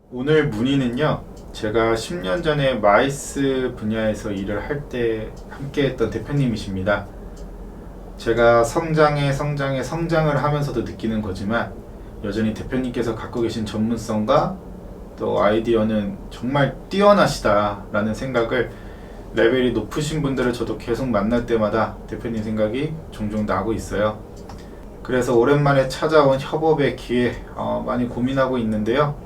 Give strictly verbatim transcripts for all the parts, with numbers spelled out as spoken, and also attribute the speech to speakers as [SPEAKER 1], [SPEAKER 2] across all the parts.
[SPEAKER 1] 오늘 문의는요, 제가 십 년 전에 마이스 분야에서 일을 할 때 함께 했던 대표님이십니다. 제가 성장에 성장에 성장을 하면서도 느끼는 거지만 여전히 대표님께서 갖고 계신 전문성과 또 아이디어는 정말 뛰어나시다라는 생각을, 레벨이 높으신 분들을 저도 계속 만날 때마다 대표님 생각이 종종 나고 있어요. 그래서 오랜만에 찾아온 협업의 기회, 어, 많이 고민하고 있는데요.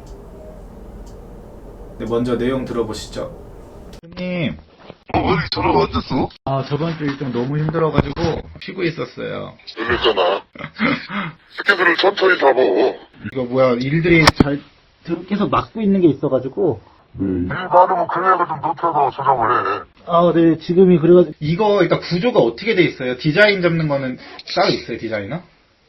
[SPEAKER 1] 네, 먼저 내용 들어보시죠. 대표님,
[SPEAKER 2] 어, 왜 전화가 안 됐어?
[SPEAKER 1] 아, 저번 주 일정 너무 힘들어가지고 쉬고 있었어요.
[SPEAKER 2] 그랬잖아. 스케줄을 천천히 잡어.
[SPEAKER 1] 이거 뭐야, 일들이 잘 계속 막고 있는 게 있어가지고.
[SPEAKER 2] 일 많으면 금액을 좀 높여서 조정을 해.
[SPEAKER 1] 아, 네, 지금이 그래가지고. 이거 일단 구조가 어떻게 돼 있어요? 디자인 잡는 거는 따로 있어요, 디자이너?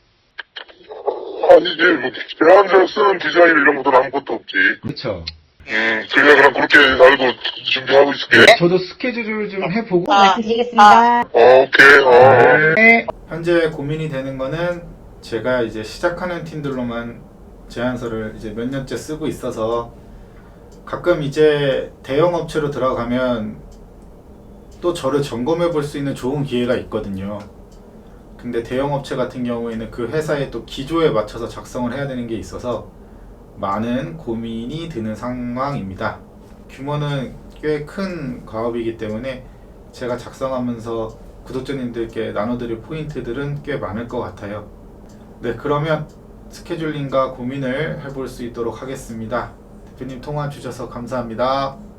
[SPEAKER 2] 아니지, 뭐, 대항전 쓰는 디자인 이런 것도 아무것도 없지.
[SPEAKER 1] 그쵸.
[SPEAKER 2] 음, 그냥 그럼 그렇게 알고 준비하고 있을게.
[SPEAKER 1] 저도 스케줄을 좀 해보고.
[SPEAKER 3] 말씀드리겠습니다.
[SPEAKER 2] 어, 오케이, 어.
[SPEAKER 1] 네. 현재 고민이 되는 거는 제가 이제 시작하는 팀들로만 제안서를 이제 몇 년째 쓰고 있어서 가끔 이제 대형 업체로 들어가면 또 저를 점검해 볼 수 있는 좋은 기회가 있거든요. 근데 대형 업체 같은 경우에는 그 회사의 또 기조에 맞춰서 작성을 해야 되는 게 있어서 많은 고민이 드는 상황입니다. 규모는 꽤 큰 과업이기 때문에 제가 작성하면서 구독자님들께 나눠드릴 포인트들은 꽤 많을 것 같아요. 네, 그러면 스케줄링과 고민을 해볼 수 있도록 하겠습니다. 대표님 통화 주셔서 감사합니다.